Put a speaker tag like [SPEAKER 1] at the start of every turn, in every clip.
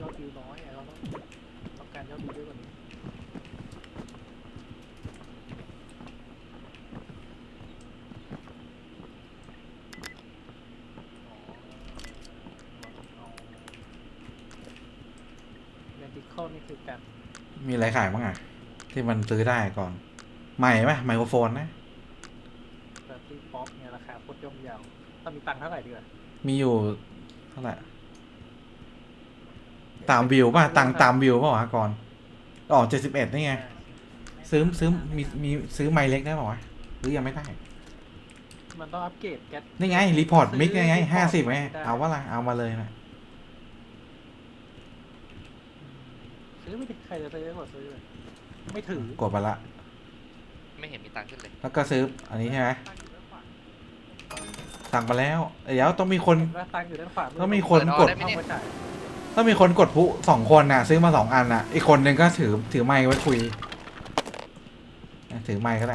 [SPEAKER 1] คิวน้อยเราต้องการยอดวิวเยอะกว่านี้เรนติคอลนี่คือการ
[SPEAKER 2] มีอะไรขายบ้างอ่ะที่มันซื้อได้ก่อนใหม่ไหมไมโครโฟนนะ
[SPEAKER 1] แบบที่ป๊อปเนี่ยราคาโคตรย่อมเยาต้องมีตังค์เท่าไหร่ดีกว่า
[SPEAKER 2] มีอยู่เท่าไหร่ตามวิวป่ะตามวิวป่ะวะก่อนอ๋อ71นี่ไงซื้อมีซื้อไมค์เล็กได้ป่ะวะหรือยังไม่ได้
[SPEAKER 1] มันต้องอัปเกรดแก๊ส
[SPEAKER 2] นี่ไงรีพอร์ตมิกไง50ไงเอาว่าละเอามาเลยนะ
[SPEAKER 1] ซื้อไม่ได้ใครจะซื้อก็ซื้อเลยไม่ถือก
[SPEAKER 2] ดไปละ
[SPEAKER 3] ไม่เห็นมีตังค์ขึ้นเลย
[SPEAKER 2] แล้วก็ซื้ออันนี้ใช่ไหมสั่งไปแล้วเดี๋ยวต้องมีคน
[SPEAKER 1] ว่าตังค์อยู่ด้านขวา
[SPEAKER 2] ต้องมีคนกด
[SPEAKER 1] เอาไปจ่าย
[SPEAKER 2] ต้องมีคนกดผู้2 คนน่ะซื้อมา2 อันน่ะอีกคนนึงก็ถือไมค์ไว้คุยถือไมค์ก็ได้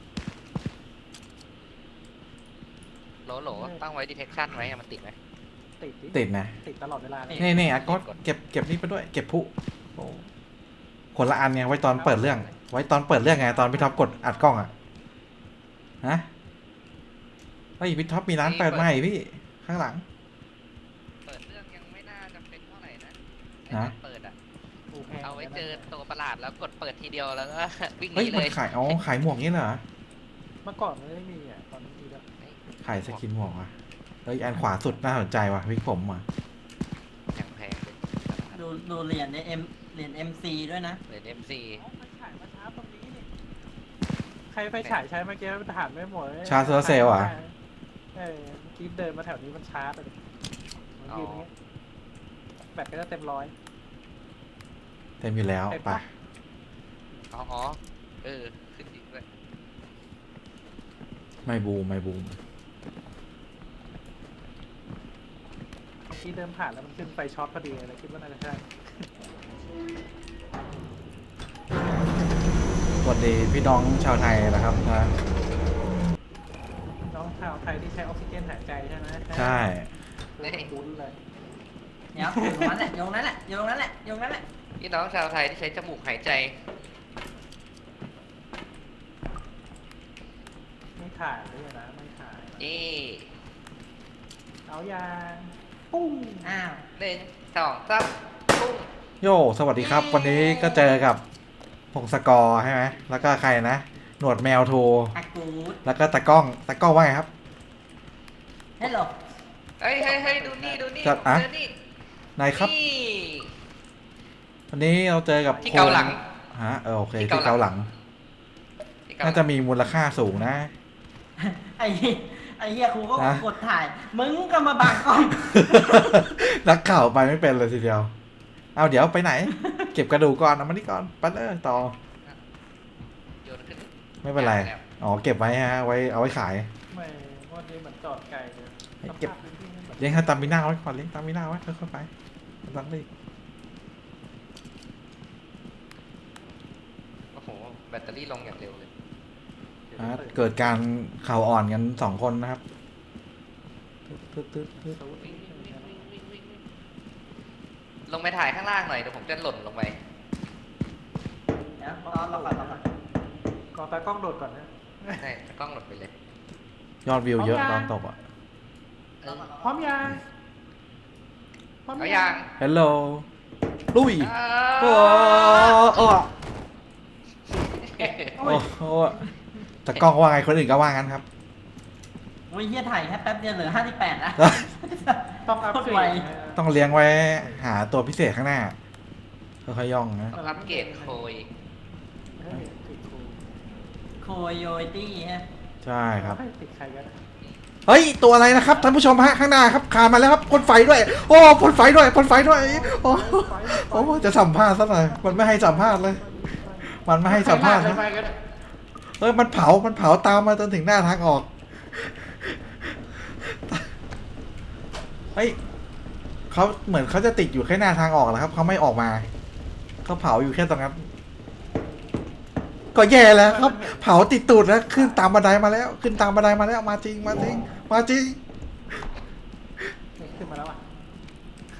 [SPEAKER 3] โหลตั้งไว้ detection ไว้มันติดไหม
[SPEAKER 2] ติดนะ
[SPEAKER 1] ติดตลอดเวลาเลย
[SPEAKER 2] นี่อ่ะก็เก็บนี่ไปด้วยเก็บผู้โอ้คนละอันไงไว้ตอนเปิดเรื่อง ไว้ตอนเปิดเรื่องไงตอนพี่ท็อปกดอัดกล้องอ่ะฮะเฮ้ยพี่ท็อปมีร้านเปิดใหม่พี่ข้างหลัง
[SPEAKER 3] เปิดเรื่องยังไม่น่าจะเป็นเท่าไหร่นะไอ้
[SPEAKER 2] ฮะ
[SPEAKER 3] ตอนเปิดอะ
[SPEAKER 1] โอเค
[SPEAKER 3] เอาไว้เจอตัวประหลาดแล้วกดเปิดทีเดียวแล้วก็ วิ่งห
[SPEAKER 2] เฮ้ย
[SPEAKER 3] นี
[SPEAKER 2] มั
[SPEAKER 3] เล
[SPEAKER 2] น
[SPEAKER 3] ย
[SPEAKER 2] ขายขายหมวกงี้เหรอ
[SPEAKER 1] เมื่อก่อนไม่มีอ่ะตอนนี้มีแล้ว
[SPEAKER 2] ขายสกินหมวกอ่ะเฮ้ยอันขวาสุดน่าสนใจว่ะวิกผมอ่ะ
[SPEAKER 3] อย่างแพงเลย
[SPEAKER 4] ดูเหรียญในเหรียญ MC ด้วยนะ
[SPEAKER 3] เหรียญ MC
[SPEAKER 1] ไฟฉายมาช้าตรงนี้นี่ใครไฟฉายใช้เมื่อกี้ทหารไม่หมด
[SPEAKER 2] ชาร์จโซลาร์เซลล์อ่ะ
[SPEAKER 1] เมื่อกี้เดินมาแถวนี้มันช้าไปเลยมันยืนอย่างเงี้ยแบตก็จะเต็มร้อย
[SPEAKER 2] เต็มอยู่แล้ว
[SPEAKER 1] เต็ม
[SPEAKER 2] ไป
[SPEAKER 1] ปะ
[SPEAKER 3] อ๋อขึ้นจริงด้วย
[SPEAKER 2] ไม่บูม
[SPEAKER 1] ที่เดินผ่านแล้วมันขึ้นไฟช็อตพอดีเลยคิดว่าน่าจะใช่
[SPEAKER 2] สวัสดีพี่น้องชาวไทยนะครับนะ
[SPEAKER 1] น้องชาวไทยที่ใช้ออกซิเจนหายใจใช่ไหม
[SPEAKER 2] ใช่
[SPEAKER 1] คุ้นเลย
[SPEAKER 4] เดี๋ยวอยู่ตรงนั้นแหละโยงนั้นแหละโยงนั้นแหละโยงนั้นแหละ
[SPEAKER 3] พี่น้องชาวไทยที่ใช้จมูกหายใจ
[SPEAKER 1] ไม่ถ่ายด้วยนะไม่ถ่าย
[SPEAKER 3] นี่
[SPEAKER 1] เอายางปุ้ง
[SPEAKER 4] อ้าว
[SPEAKER 3] 1 2 3ปุ้ง
[SPEAKER 2] โยสวัสดีครับ วันนี้ก็เจอกับพงศกรใช่ไหมแล้วก็ใครนะ หนวดแมวโทร
[SPEAKER 4] อากูด
[SPEAKER 2] แล้วก็ตะกล้องว่าไงครับ
[SPEAKER 4] ฮัลโหล
[SPEAKER 3] เฮ้ยดูนี่ผม
[SPEAKER 2] จัดอะ
[SPEAKER 3] เจอนี่
[SPEAKER 2] นายครับ
[SPEAKER 3] นี่
[SPEAKER 2] วันนี้เราเจอกับ
[SPEAKER 3] ที่เกาหลัง
[SPEAKER 2] ฮะโอเค
[SPEAKER 3] ที่
[SPEAKER 2] ที่
[SPEAKER 3] เกาหลัง
[SPEAKER 2] เกาหลัง
[SPEAKER 3] ที่เกาหลัง
[SPEAKER 2] น่าจะมีมูลค่าสูงนะ
[SPEAKER 4] ไอ้เฮียครูก็
[SPEAKER 2] นะ
[SPEAKER 4] กดถ่าย มึงก็มาบังกล้อง
[SPEAKER 2] นักข่าวไปไม่เป็นเลยทีเดียว เอาเดี๋ยวไปไหน เก็บกระดูกก่อนเอามานี่ก่อนไปเลยต่อ
[SPEAKER 3] โยนขึ้น
[SPEAKER 2] ไม่เป็นไร
[SPEAKER 3] แล้ว
[SPEAKER 2] อ๋อเก็บไว้ฮะไว้เอาไว้ขาย
[SPEAKER 1] ไม่วันนี้เหมือนจอดไกลเลย
[SPEAKER 2] เก็บ
[SPEAKER 1] สภาพพื้นที่ไม่เหมือน
[SPEAKER 2] เลี้ยงให้ตามมีหน้าไว้ก่อนเลี้ยงตามมีหน้าไว้ค่อยๆไปไม่ต้องรีบ
[SPEAKER 3] โอ้โหแบตเตอรี่ลงอย่างเร็วเลย
[SPEAKER 2] อ่ะเกิดการเข่าอ่อนกัน2 คนนะครับตึ๊ด
[SPEAKER 3] วิ่งลงไปถ่ายข้างล่างหน่อยเดี๋ยวผมจะหล่นลงไป
[SPEAKER 4] เดี๋ยวรอก่อน
[SPEAKER 1] กอตากล้องโดดก่อนนะ
[SPEAKER 3] ใช่กล้องหล่นไปเลย
[SPEAKER 2] ยอดวิวเยอะ
[SPEAKER 1] เอา
[SPEAKER 2] ต
[SPEAKER 1] ยั
[SPEAKER 2] อง นตบอ่ะ
[SPEAKER 3] เออ
[SPEAKER 1] พร้อมยังพร้อม
[SPEAKER 3] เอาอย่าง
[SPEAKER 2] ฮัลโหลลุยโอ้โอ้โอ้โอ้แต่กล้องว่าไงคนอื่นก็ว่างั้นครับ
[SPEAKER 4] โอ้ยเฮียถ่ายแค่แป๊บเดียวเหลือ58นะ
[SPEAKER 1] ต้องอัพเกร
[SPEAKER 4] ไว
[SPEAKER 1] ด
[SPEAKER 2] ต้องเลี้ยงไว้หาตัวพิเศษข้างหน้าค่อยๆย่องนะ
[SPEAKER 3] ต้องอัปเกรดโคย
[SPEAKER 1] เฮ้ยติดครู
[SPEAKER 4] โคโยตี้ฮะ
[SPEAKER 2] ใช่ครับ
[SPEAKER 1] เฮ้ยติดใครกัน
[SPEAKER 2] เฮ้ยตัวอะไรนะครับท่านผู้ชมฮะข้างหน้าครับคานมาแล้วครับพ่นไฟด้วย โอ้พ่นไฟด้วยโอ้โอ้จะสัมภาษณ์ซะหน่อยมันไม่ให้สัมภาษณ์เลย มันไม่ให้สัมภาษณ์นะ
[SPEAKER 1] ไปกัน
[SPEAKER 2] เฮ้ยมันเผาตามมาจนถึงหน้าทางออกเฮ้ยเขาเหมือนเขาจะติดอยู่แค่หน้าทางออกแล้วครับเขาไม่ออกมาเขาเผาอยู่แค่ตรงนั้นก็แย่แล้วครับ เผาติดตูดแล้วขึ้นตามบันไดมาแล้ว ขึ้นตามบันไดมาแล้วมาจริง
[SPEAKER 1] ขึ้นมาแล้วอ่ะ ใค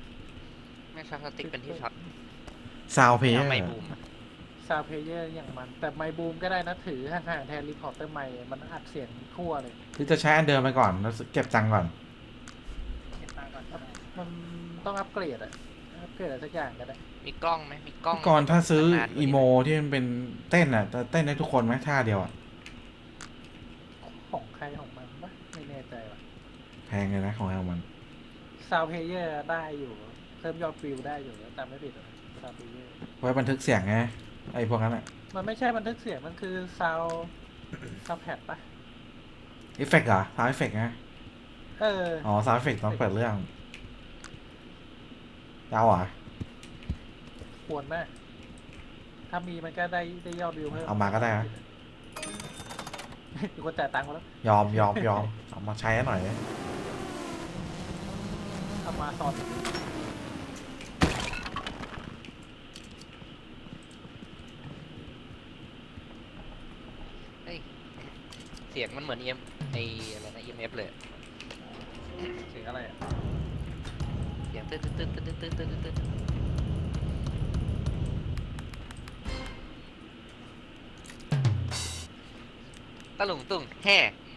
[SPEAKER 2] อ
[SPEAKER 3] ให้ช็อตสติ๊กเป็นที่ช็อต
[SPEAKER 2] ซาวเพย์
[SPEAKER 3] ทำไมบูม
[SPEAKER 1] ซาวเพลเยอร์อย่างมัน แต่ไมค์บูมก็ได้นะถือห่างๆแทนรีพอร์เตอร์ไมค์มันอัดเสียงทั่วเลย
[SPEAKER 2] หรือจะใช้อันเดิมไปก่อนแล้วเก็บตังค์ก่อน
[SPEAKER 4] เก็บตังค์ก่อนก็ได้
[SPEAKER 1] มันต้องอัปเกรดอะอัปเกรดอะไรสักอย่างก็ได้
[SPEAKER 3] มีกล้องไหมมีกล้อง
[SPEAKER 2] ก่อนถ้าซื้อน
[SPEAKER 3] านๆกว่านี้
[SPEAKER 2] อีโมที่มันเป็นเต้นอ่ะจะเต้นได้ทุกคนไหมท่าเดียวอ่ะ
[SPEAKER 1] ของใครของมันปะไม่แน่ใจว่ะ
[SPEAKER 2] แพงเลยนะของเรามัน
[SPEAKER 1] ซาวเพลเยอร์ได้อยู่เพิ่มยอดวิวได้อยู่แต่ไม่ผิดซาวเพลเยอร์
[SPEAKER 2] ไว้บันทึกเสียงไงไอ้พวกนั้นอ่ะ
[SPEAKER 1] มันไม่ใช่บันทึกเสียงมันคือซาวแพดปะ
[SPEAKER 2] เอฟเฟกต์เหรอซาวเอฟเฟกต์ไง
[SPEAKER 1] เออ
[SPEAKER 2] อ๋อซาวเอฟเฟกต์ต้องเปิดเรื่องยาวเหรอ่ะ
[SPEAKER 1] ควรนะถ้ามีมันก็ได้ยอดวิวเพิ่ม
[SPEAKER 2] เอามาก็ได้นะ
[SPEAKER 1] มีคนจ่ายตังค์มาแล้ว
[SPEAKER 2] ยอมเอามาใช้หน่อย
[SPEAKER 1] เอามาสอน
[SPEAKER 3] เฮ้ยเสียงมันเหมือนไออะไรนะ EMF เลย
[SPEAKER 1] เสียงอะไรอะ
[SPEAKER 3] เสียงตึ๊ดตะหลุงตุ่งแห่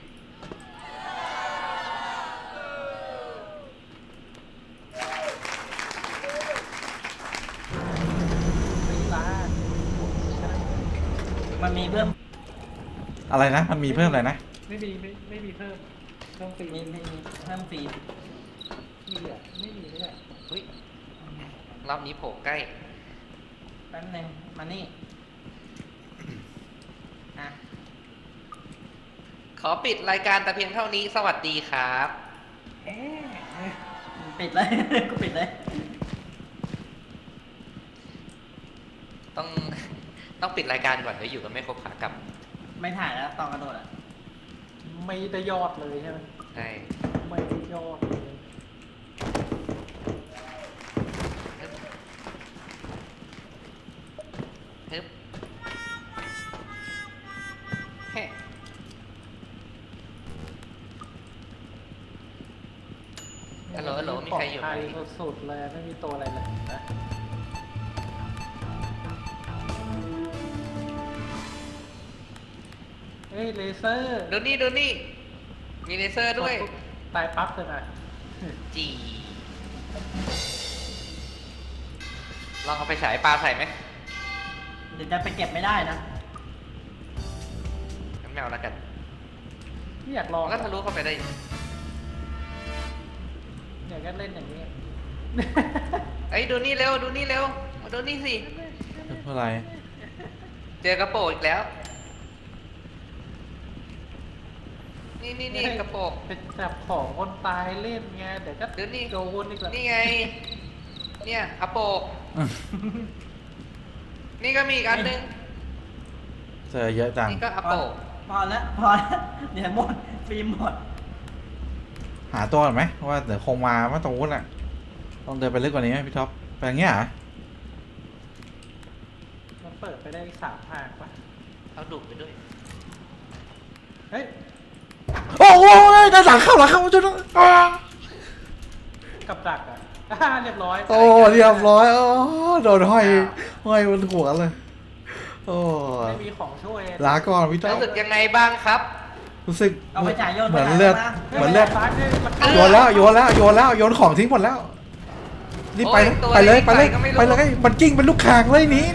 [SPEAKER 1] ตีลา
[SPEAKER 4] มันมีเพิ่ม
[SPEAKER 2] อะไรนะมันมีเพิ่มอะไรนะ
[SPEAKER 1] ไม่มีเพิ่มต้องตี
[SPEAKER 4] มีเพิ่มฟรี
[SPEAKER 1] มีอ่ะไม่มีไม่ใช่
[SPEAKER 3] เฮ้ยรอบนี้โผล่ใกล้
[SPEAKER 4] แป๊บนึงมานี่อ่ะ
[SPEAKER 3] ขอปิดรายการแต่เพียงเท่านี้ สวัสดีครับ
[SPEAKER 4] ปิดเลย กูปิดเลย
[SPEAKER 3] ต้อง ต้องปิดรายการก่อนเดี๋ยวอยู่กันไม่ครบขากลับ
[SPEAKER 4] ไม่ถ่ายแล้วตอนกระโดดอ่ะ
[SPEAKER 1] ไม่ได้ยอดเลยใช่ไหม
[SPEAKER 3] ใช่
[SPEAKER 1] ไม่ได้ยอดเลย
[SPEAKER 3] ฮึบแฮ่ ฮัลโหลฮัลโหลมีใครอยู่ไหม
[SPEAKER 1] ปลดภัยสุดๆเลยไม่มีตัวอะไรเลยนะเฮ้ยเลเซอร์
[SPEAKER 3] ดูนี่ดูนี่ มีเลเซอร์ด้วย
[SPEAKER 1] ตายปั๊บเลยนะ
[SPEAKER 3] จีลองเอาไปฉายปลาใส่ไหม
[SPEAKER 4] เดี๋ยวจะไปเก็บไม่ได้นะ
[SPEAKER 3] งั้นไม่เอาแล้วกัน
[SPEAKER 1] ไม่อยากลอง
[SPEAKER 3] มันก็ทะลุเข้าไปได้
[SPEAKER 1] อยากจะเล่นอย่างนี้
[SPEAKER 3] เอ้ยดูนี่เร็วดูนี่เร็วมาดูนี่สิ
[SPEAKER 2] เท่าไหร่
[SPEAKER 3] เจอกระโปรงอีกแล้ว นี่กระโปรง
[SPEAKER 1] เป็นจับของคนตายเล่นไงเดี๋ยวก็
[SPEAKER 3] เดี๋ยวนี่
[SPEAKER 1] โดนอีกแล้ว
[SPEAKER 3] นี่ไง เนี่ยกระโปรงนี่ก็มีอีกอันนึง
[SPEAKER 2] เจอเยอะจัง
[SPEAKER 3] นี่ก็กระโปรง
[SPEAKER 4] พอแล้วเดี๋ยวหมดฟิล์มหมด
[SPEAKER 2] หาตัวก่อนไหมเพราะว่าเดี๋ยวคงมาว่าตรงนู้นอ่ะต้องเดินไปลึกกว่านี้ไหมพี่ท็อปไปอย่างเงี้ยเหรอ
[SPEAKER 1] มันเปิดไปได้3 ทางปะ
[SPEAKER 3] เอาดุไปด้วย
[SPEAKER 1] เฮ้ย
[SPEAKER 2] โอ้โหด้านหลังเข้าจนอ้า
[SPEAKER 1] กับดักอ่ะ เรียบร้อย
[SPEAKER 2] โอ้เรียบร้อยโอ้โดนห้อยบนหัวเลยโอ้
[SPEAKER 1] ไม่มีของช่วย
[SPEAKER 2] ลาก่อนพี่ท็อป
[SPEAKER 3] รู้สึกยังไงบ้างครับ
[SPEAKER 2] รู้สึก
[SPEAKER 4] เอาไปจ่ายโยน
[SPEAKER 2] เหมือน
[SPEAKER 4] ไปไหน
[SPEAKER 2] เลือด
[SPEAKER 4] มา
[SPEAKER 2] เหมือนเลือด
[SPEAKER 1] ซ้ายนี่มัน
[SPEAKER 2] โยนแล้วโยนของทิ้งหมดแล้วรีบไป
[SPEAKER 3] โอ้ยตัว
[SPEAKER 2] ไปเลย
[SPEAKER 3] ใครก็ไม่รู้
[SPEAKER 2] ไปเลยมันกิ้งเป็นลูกคางเลยหนี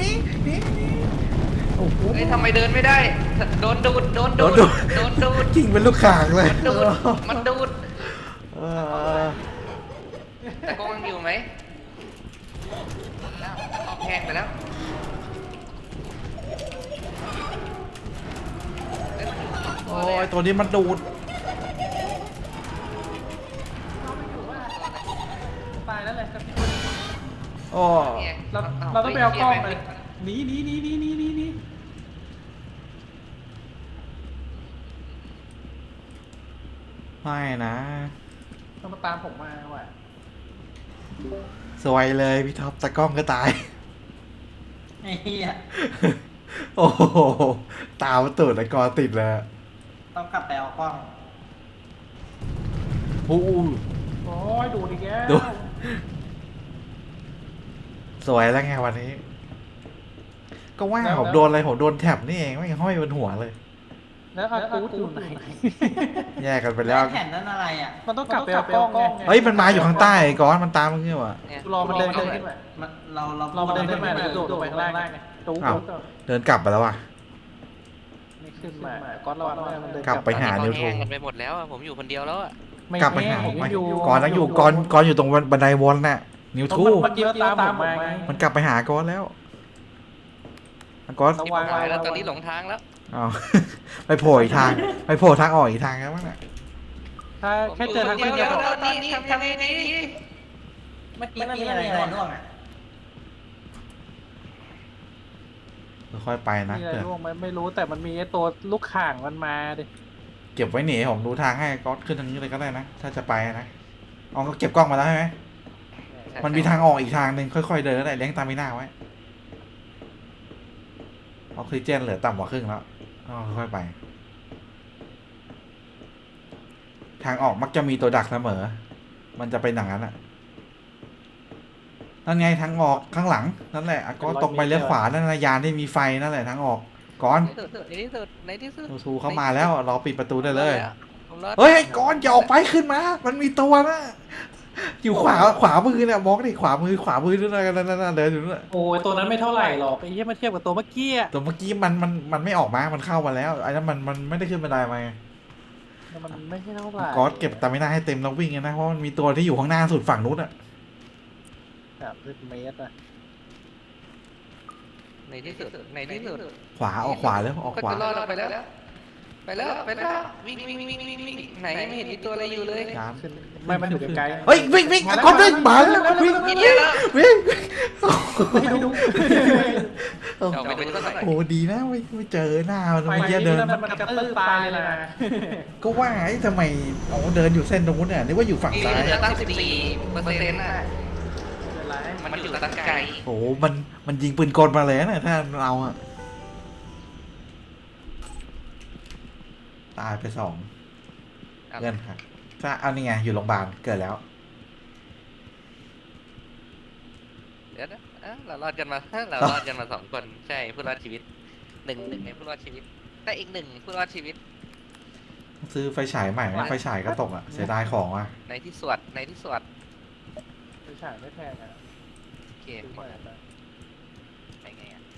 [SPEAKER 2] โอ้โห
[SPEAKER 3] เฮ้ยทำไมเดินไม่ได้ โดนดูด โดนดูด โดนดูด
[SPEAKER 2] กิ้งเป็นลูกคางเลย
[SPEAKER 3] มันดูด มันดูด
[SPEAKER 2] เออ
[SPEAKER 3] แต่กล้องยังอยู่ไหมแห้งไปแล้วเอ้ยมันอยู่สองตัว
[SPEAKER 2] โอ้
[SPEAKER 3] เลย
[SPEAKER 2] ย
[SPEAKER 3] อะ
[SPEAKER 2] ตัวนี้มันดูด
[SPEAKER 1] ตายแล้วเลยครับ
[SPEAKER 2] โอ้
[SPEAKER 3] เนี่ย
[SPEAKER 1] เราต้องไปเอากล้องเลยหนี
[SPEAKER 2] ไม่นะ
[SPEAKER 1] ต้องมาตามผมมาว่ะ
[SPEAKER 2] สวยเลยพี่ท็อปตะกล้องก็ตาย
[SPEAKER 4] ไอ้เหี้ย
[SPEAKER 2] โอ้โหตามันตูดแล้วกอติดเลย
[SPEAKER 4] ต้องกลับไปเอากล้อง
[SPEAKER 2] โอ้โห
[SPEAKER 1] โอ้ยดูดอีกแล้ว
[SPEAKER 2] ดูสวยแล้วไงวันนี้ ก็ว่าผมโดนอะไรผมโดนแท็บนี่เองไม่ห้อยบนหัวเลย
[SPEAKER 1] แล้วอากูดอยู่ไหน
[SPEAKER 2] แยกกันไป
[SPEAKER 4] แล้
[SPEAKER 2] แล้ว ว
[SPEAKER 4] แผ่นนั้นอะไรอ่ะ
[SPEAKER 1] มันต้องกลับไปเอากล้องไง
[SPEAKER 2] เฮ้ยมันมาอยู่ข้างใต้ไอ้ก้อนมันตามมึงเนี่ยวะ
[SPEAKER 3] เนี่ย
[SPEAKER 1] รอมันเดินขึ้นมา
[SPEAKER 4] เรา
[SPEAKER 1] มาเดินขึ้นมาแล้วโดดลงไปข้างล่างไงตู้
[SPEAKER 2] อ้าวเดินกลับไปแล้ววะ
[SPEAKER 1] ไม่ขึ้นมาก้อนระวังมันเดิน
[SPEAKER 2] กลับไปหา
[SPEAKER 3] ตอน
[SPEAKER 2] นิ
[SPEAKER 3] นี้
[SPEAKER 2] ว
[SPEAKER 3] เขา
[SPEAKER 2] โท
[SPEAKER 3] แห้งกันไปหมดแล้วอะผมอยู่คนเดียวแล้วอะ
[SPEAKER 2] กลับไปหา
[SPEAKER 1] ผม
[SPEAKER 2] ไม่
[SPEAKER 1] อยู่
[SPEAKER 2] ก้อนอยู่ก้อนอยู่ตรงบันไดวนน่ะนิวทู
[SPEAKER 1] เมื่อกี้มันตามผมมาไง
[SPEAKER 2] มันกลับไปหาก้อนแล้วก้อน
[SPEAKER 1] ระ
[SPEAKER 3] ที่
[SPEAKER 1] วัง
[SPEAKER 3] หายแล้วตอนนี้หลงทางแล้ว
[SPEAKER 2] อ้าว ไปโผล่อีกทางไปโผล่ทางออกอีกทางแล้วมั้งน่ะ
[SPEAKER 1] ถ้าแค่เจอทาง
[SPEAKER 3] ผม
[SPEAKER 1] ขึ้น
[SPEAKER 3] ยู่
[SPEAKER 1] ก็
[SPEAKER 3] คน
[SPEAKER 1] พ
[SPEAKER 3] เดี
[SPEAKER 1] อ
[SPEAKER 3] ยวแล้วตอนนี้ทำยังไงดี
[SPEAKER 4] เมื่อกี้มันมีอะไรร่วงอ่ะ
[SPEAKER 2] ค่อยๆไปนะ
[SPEAKER 1] มีอะไร
[SPEAKER 2] เพื่อน
[SPEAKER 1] ร่วงไหมไม่รู้แต่มันมีไอ้ตัวลูกข่างมันมาดิ
[SPEAKER 2] เก็บไว้หนีผมดูทางให้ก้อนขึ้นทางนี้เลยก็ได้นะถ้าจะไปนะอ๋อก็เก็บกล้องมาแล้วใช่ไหมมันมีทางออกอีกทางหนึ่งค่อยๆเดินก็ได้เลี้ยงตามไม่น่าไว้ออกซิเจนเหลือต่ำกว่าครึ่งแล้วค่อยๆไป ทางออกมักจะมีตัวดักเสมอ มันจะเป็นอย่างนั้นอ่ะนั่นไงทางออกข้างหลังนั่นแหละอ่ะก็ตรงไปเลี้ยวขวานั่นนะยานที่มีไฟนั่นแหละทางออกก้อน
[SPEAKER 3] ในที่สุดในที่สุด
[SPEAKER 2] ทูเข้ามาแล้วรอปิดประตูได้เลย
[SPEAKER 3] ผมรอด
[SPEAKER 2] เฮ้ยไอ้ก้อนอย่าออกไปขึ้นมา มันมีตัวนะอยู่ขวามือเนี่ยมองดิขวามือด้วยนะนั่นเดินอยู่นั่น
[SPEAKER 1] โอ้ยตัวนั้นไม่เท่าไหร่หรอกไอ้เหี้ยมาเทียบกับตัวเมื่อกี้อะ
[SPEAKER 2] ตัวเมื่อกี้มันไม่ออกมา มันเข้ามาแล้วไอ้นั้นมันไม่ได้ขึ้นบันไดมาไง
[SPEAKER 1] มันไม่ใช่เท่าไหร่
[SPEAKER 2] ก้อนเก็บตาไม่น่าให้เต็มแล้ววิ่งไงนะเพราะมันมีตัวที่อยู่ข้างหน้าสุดฝั่งนู้นอ่ะ
[SPEAKER 1] 30 เมตรอะ
[SPEAKER 3] ในที่สุดในที่สุด
[SPEAKER 2] ขวาออกขวาแล้วออก
[SPEAKER 3] ก็
[SPEAKER 2] ขวา
[SPEAKER 3] จะรอดออกไปแล้วไปแล้ววิ่งไหนไม่เห็นมีตัวอะไรอยู่เลย
[SPEAKER 2] จาน
[SPEAKER 1] ขึ้นไม่มันอยู่ไกลๆ
[SPEAKER 2] เฮ้ยวิ่งก้อนวิ่งมาแล้ววิ่ง
[SPEAKER 3] นี่เนี่ยเหรอ
[SPEAKER 2] วิ่ง
[SPEAKER 1] ไม่ดู
[SPEAKER 3] เอาไปดูสักหน่อย
[SPEAKER 2] โอ้ดีนะไม่เจอหน้ามัน
[SPEAKER 1] ไฟ
[SPEAKER 2] เมื่อกี้
[SPEAKER 1] นี้
[SPEAKER 2] เดิน
[SPEAKER 1] มันกระตื้อตายเลยนะ
[SPEAKER 2] ก็ว่าไอ้ทำไมเอาเดินอยู่เส้นตรงนู้นเนี่ยนึกว่าอยู่ฝั่ง
[SPEAKER 3] นี่
[SPEAKER 2] ซ้าย
[SPEAKER 3] เหลือตั้ง14%น่ะมันอยู่ตั้งไกล
[SPEAKER 2] โอ้มันยิงปืนกลมาเลยนะถ้าเราอะตายไป2เงินค่ะถ้าเอานี่ไงอยู่โรงพยาบาลเกิดแล้ว
[SPEAKER 3] เดี๋ยวนะเรารอดกันมา2 คนใช่ผู้รอดชีวิตหนึ่งในผู้รอดชีวิตแต่อีก1ผู้รอดชีวิต
[SPEAKER 2] ซื้อไฟฉายใหม่ไหมไฟฉายก็ตกอ่ะเสียดายของอ่ะ
[SPEAKER 3] ในที่สวด
[SPEAKER 1] ไม่ใช่ไม่แพงอะ
[SPEAKER 3] โอเค
[SPEAKER 1] ซื้อ
[SPEAKER 3] หม
[SPEAKER 1] มา
[SPEAKER 3] ดแล้วไปไงอ่ะ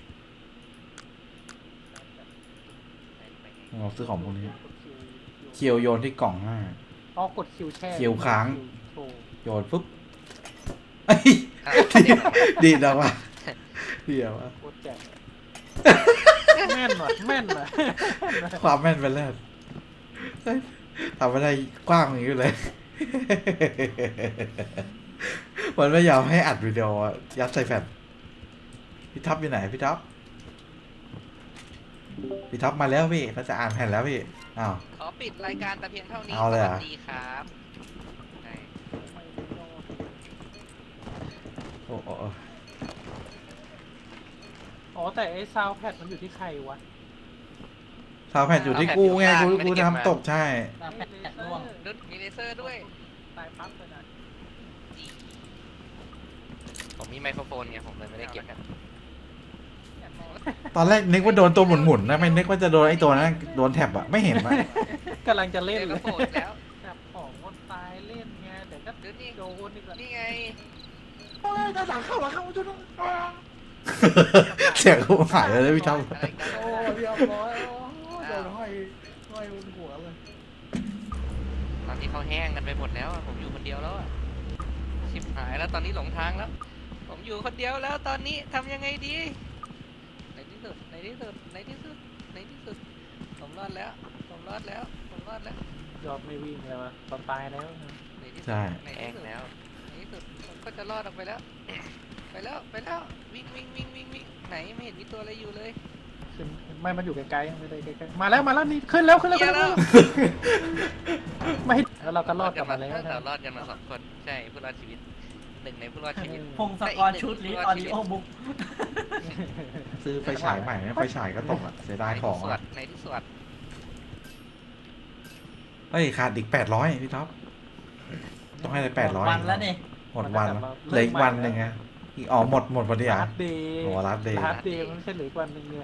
[SPEAKER 3] ไปไง
[SPEAKER 2] เราซื้อของพวกนี้เคียวโยนที่กล่องหน้า
[SPEAKER 1] อ๋อกดคิวแช่
[SPEAKER 2] คิวค้าง
[SPEAKER 1] โชว์
[SPEAKER 2] โยนปุ๊บเอ้ย
[SPEAKER 3] อ่ะ
[SPEAKER 2] ดีแล้วว่ะเดี๋ยวว่ะ
[SPEAKER 1] โคตรแจ๋งแม่นว่ะแม่นว่ะ
[SPEAKER 2] ความแม่นไปแล้วเฮ้ยทำไม่ได้กว้างอย่างนี้เลย มันไม่ยอมให้อัดวิดีโออะยัดใส่แผ่นพี่ท็อปอยู่ไหนพี่ท็อปมาแล้วพี่เราจะอ่านแผ่นแล้วพี่อ้าว
[SPEAKER 3] ขอปิดรายการแต่เพียงเท่านี้
[SPEAKER 2] เอาเลย
[SPEAKER 3] ส
[SPEAKER 2] เหรอ
[SPEAKER 3] วัสดีครับใช่
[SPEAKER 2] โอ้โอ้
[SPEAKER 1] อ๋อแต่ไอ้ซาวแพดมันอยู่ที่ใครวะ
[SPEAKER 2] ซาวแผ่นอยู่ที่กูไงกูทำตกใช่
[SPEAKER 4] แผ่นร่วง
[SPEAKER 3] รุ่นมีเลเซอร์ด้วย
[SPEAKER 1] ตายปั๊บเลยนะ
[SPEAKER 3] ผมมีไมโครโฟนไงผมเลยไม่ได้เก็บกัน
[SPEAKER 2] ตอนแรกนึกว่าโดนตัวหมุนๆนะไม่นึกว่าจะโดนไอ้ตัวนั้นโดนแท็บอะไม่เห็นอะ
[SPEAKER 1] กำลังจะเล่น
[SPEAKER 3] เดี๋ยว
[SPEAKER 1] เล
[SPEAKER 3] ก็
[SPEAKER 1] ย
[SPEAKER 3] โผล่แล้ว
[SPEAKER 1] จับของคนตายเล่นไงแต่ก็
[SPEAKER 3] เดี๋ยวนี่
[SPEAKER 1] โดนอีกแล้ว
[SPEAKER 3] นี่ไง
[SPEAKER 2] เสียงกูหายเลยพี่ท็อป
[SPEAKER 3] อะไรกัน
[SPEAKER 1] โอ้เรียบร้อยโดนห้อยบนหัวเลย
[SPEAKER 3] ตอนนี้เขาแห้งกันไปหมดแล้วอะผมอยู่คนเดียวแล้วอะชิบหายแล้วตอนนี้หลงทางแล้ว ผมอยู่คนเดียวแล้วตอนนี้ทำยังไงดีในที่สุดผมรอดแล้ว
[SPEAKER 1] ยอดไม่วิ่งเลยวะตอนตายแล้ว
[SPEAKER 3] ในที่สุด
[SPEAKER 2] ใช่
[SPEAKER 3] แห้งแล้วในที่สุดผมก็จะรอดออกไปแล้ว ไปแล้ววิ่งไหนไม่เห็นมีตัวอะไรอยู่เลย
[SPEAKER 1] ขึ้นไม่มันอยู่ไกลๆไม่ได้ไกลๆมาแล้วนี่ขึ้นแล้ว
[SPEAKER 3] เหี้ยแล้ว
[SPEAKER 1] ไม่แล้วเราก็รอดกลับมาแล้ว
[SPEAKER 3] เรารอดกันมา2 คนใช่ผู้รอดชีวิตหนึ่งในผู้รอดชีวิต
[SPEAKER 4] พงศกรชุดลิออดิโอบุ๊ก
[SPEAKER 2] ซื้อไฟฉายใหม่ไหมไฟฉายก็ตกอะเสียดายของอะ
[SPEAKER 3] ในที่สวด
[SPEAKER 2] เฮ้ยขาดอีก800พี่ท็อปต้องให้ได้800
[SPEAKER 4] วันแล้วนี่
[SPEAKER 2] หมดวันแล้วเหลืออีกวันหนึ่งไงอีกอ๋อหมดพอดีอ่ะ
[SPEAKER 1] ลาสเดย์
[SPEAKER 2] โอ้ลาสเดย์
[SPEAKER 1] ลาสเดย์มันไม่ใช่เหลืออีกวันหนึ่งเลย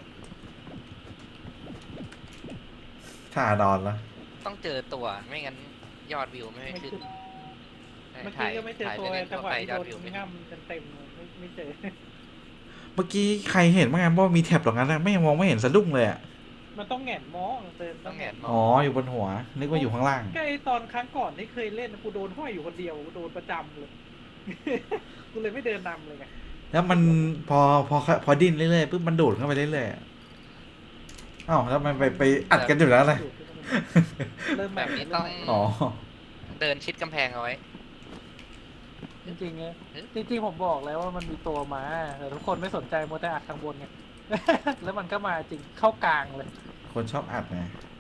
[SPEAKER 2] ถ้าอาดอนแล้ว
[SPEAKER 3] ต้องเจอตัวไม่งั้นยอดวิวไม่
[SPEAKER 1] ไม่
[SPEAKER 3] ขึ้น
[SPEAKER 1] ขึ้นเมื่อ
[SPEAKER 3] ถ่า
[SPEAKER 1] กี้
[SPEAKER 3] ย
[SPEAKER 1] ก็ไม่เจอ
[SPEAKER 3] ถ่าย
[SPEAKER 1] ตัว
[SPEAKER 3] เล่นๆ
[SPEAKER 1] จั
[SPEAKER 3] ทั่
[SPEAKER 1] ง
[SPEAKER 3] ว
[SPEAKER 1] หวะ
[SPEAKER 3] ไป
[SPEAKER 1] ที่
[SPEAKER 3] ยอ
[SPEAKER 1] โด
[SPEAKER 3] ด
[SPEAKER 1] น
[SPEAKER 3] วิวไม่ขึ้น
[SPEAKER 1] ง่ำเต็มๆไม่เจอ
[SPEAKER 2] เมื่อกี้ใครเห็นบ้างไงว่ามีแท็บตรงนั้นอะไม่มองไม่เห็นสะดุ้งเลยอ่ะ
[SPEAKER 1] มันต้องแหงนมองเดิน
[SPEAKER 3] ต้องแหงนม
[SPEAKER 2] อ๋ออยู่บนหัว นึกว่าอยู่ข้างล่าง
[SPEAKER 1] ใกล้ตอนครั้งก่อนที่เคยเล่นกูโดนห้อยอยู่คนเดียวกูโดนประจำเลย กูเลยไม่เดินนำเลยไง
[SPEAKER 2] แล้วมันพอดิ้นเรื่อยๆปุ๊บมันดูดเข้าไปเรื่อยๆอะอ้าวแล้วมันไปอัดกันอยู่แล้วนะ
[SPEAKER 1] เริ่ม
[SPEAKER 3] แบบนี้ต้อง
[SPEAKER 2] อ๋อ
[SPEAKER 3] เดินชิดกำแพงเอาไว้
[SPEAKER 1] จริงๆไงจริงๆผมบอกแล้วว่ามันมีตัวมาแต่ทุกคนไม่สนใจมัวแต่อัดข้างบนไง แล้วมันก็มาจริงเข้ากลางเลย
[SPEAKER 2] คนชอบอัดไง